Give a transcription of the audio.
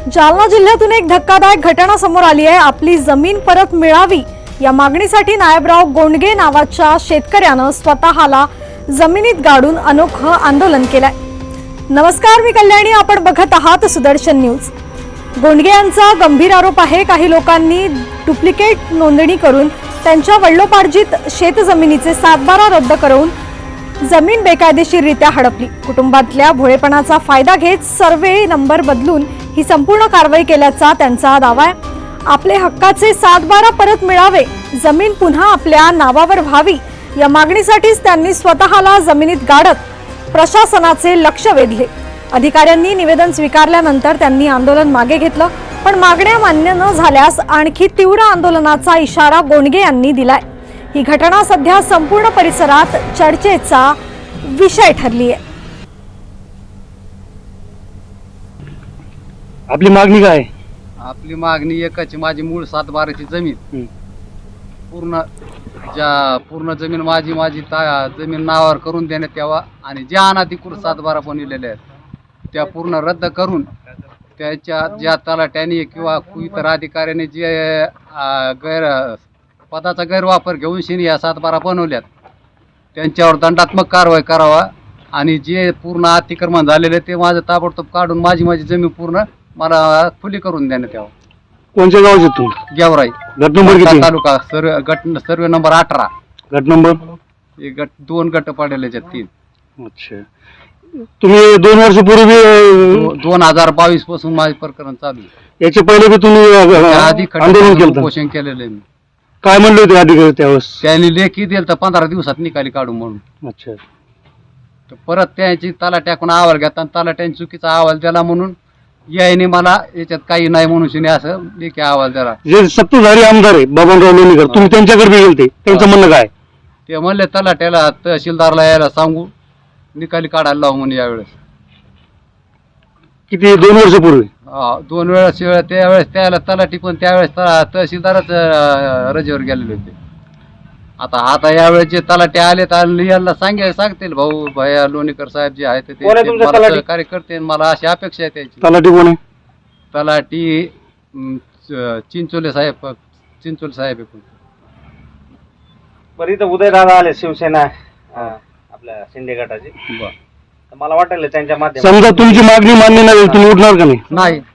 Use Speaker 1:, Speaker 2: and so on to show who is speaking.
Speaker 1: जालना जिल्ह्यातून एक धक्कादायक घटना समोर आली आहे। आपली जमीन परत मिळावी या मागणीसाठी नायबराव गोंडगे नावाच्या शेतकऱ्यानं स्वतःला जमिनीत गाडून अनोखं आंदोलन केलंय। नमस्कार, मी कल्याणी, आपण बघत आहात सुदर्शन न्यूज। गोंडगे यांचा गंभीर आरोप आहे, काही लोकांनी डुप्लिकेट नोंदणी करून त्यांच्या वडिलोपार्जित शेतजमिनीचे सातबारा रद्द करून जमीन बेकायदेशीररित्या हडपली। कुटुंबातल्या भोळेपणाचा फायदा घेत सर्वे नंबर बदलून ही संपूर्ण कारवाई केल्याचा त्यांचा दावा आहे। आपले हक्काचे सातबारा परत मिळावे, जमीन पुन्हा आपल्या नावावर व्हावी या मागणीसाठीच त्यांनी स्वतःला जमिनीत गाडत प्रशासनाचे लक्ष वेधले। अधिकाऱ्यांनी निवेदन स्वीकारल्यानंतर त्यांनी आंदोलन मागे घेतलं, पण मागण्या मान्य न झाल्यास आणखी तीव्र आंदोलनाचा इशारा गोंडगे यांनी दिलाय। ही घटना सध्या संपूर्ण परिसरात चर्चेचा विषय ठरली आहे।
Speaker 2: आपली मागणी काय?
Speaker 3: आपली मागणी एकच, माझी मूळ सातबाराची जमीन पूर्ण जमीन माझी जमीन नावावर करून देण्यात यावा आणि ज्या अनाधिकृत सातबारा बनविलेल्या आहेत त्या पूर्ण रद्द करून त्याच्या ज्या तलाट्याने किंवा इतर अधिकाऱ्याने जे पदाचा गैरवापर घेऊन शिनी या सातबारा बनवल्यात त्यांच्यावर दंडात्मक कारवाई करावा आणि जे पूर्ण अतिक्रमण झालेले ते माझं ताबडतोब काढून माझी जमीन पूर्ण मला खुली करून देण्यात यावं।
Speaker 2: कोणत्या गावाचे तू?
Speaker 3: गेवराई,
Speaker 2: गट नंबर किती?
Speaker 3: Taluka survey number 18।
Speaker 2: गट नंबर?
Speaker 3: एक गट, 2 गट पडलेले आहेत, 3।
Speaker 2: अच्छा, तुम्ही 2 वर्षापूर्वी
Speaker 3: 2022 पासून माझे प्रकरण चालू आहे।
Speaker 2: याच्या पहिले बी तुम्ही
Speaker 3: आधी
Speaker 2: आंदोलन केलं?
Speaker 3: उपोषण केलेलं आहे मी।
Speaker 2: काय म्हणले होते अधिकारी त्यावेळेस?
Speaker 3: त्यांनी लेखी दिलं तर 15 दिवसात निकाली काढू म्हणून।
Speaker 2: अच्छा,
Speaker 3: तर परत त्यांची तलाट्याकडून अहवाल घेता आणि तलाट्याने चुकीचा अहवाल दिला म्हणून याने मला याच्यात काही नाही म्हणून शिने असं लेखी अहवाल दिला।
Speaker 2: जे सत्ताधारी आमदार आहे बबनराव लोणीकर, तुम्ही त्यांच्याकडे बी गेलते, त्यांचं म्हणणं काय?
Speaker 3: ते म्हणले तलाट्याला तहसीलदारला यायला सांगू, निकाली काढायला लावू म्हणून यावेळेस।
Speaker 2: किती? 2 वर्षापूर्वी?
Speaker 3: 2 वेळेस त्यावेळेस त्याला तलाठी पण त्यावेळेस तहसीलदारच रजेवर गेलेले होते। आता यावेळेस जे तलाठी आले तर यांना सांगतील भाऊ भैया लोणीकर साहेब जे आहेत ते मला सहकार्य करते, मला अशी अपेक्षा आहे त्याची।
Speaker 2: तलाठी कोण आहे?
Speaker 3: तलाठी चिंचोले साहेब आहे।
Speaker 4: बरं, इथं उदयदादा आले, शिवसेना आपल्या शिंदे गटाचे। मला वाटेल त्यांच्या माध्यमातून
Speaker 2: समजा तुमची मागणी मान्य नाही, तुम्ही उठणार का नाही?
Speaker 3: नाही,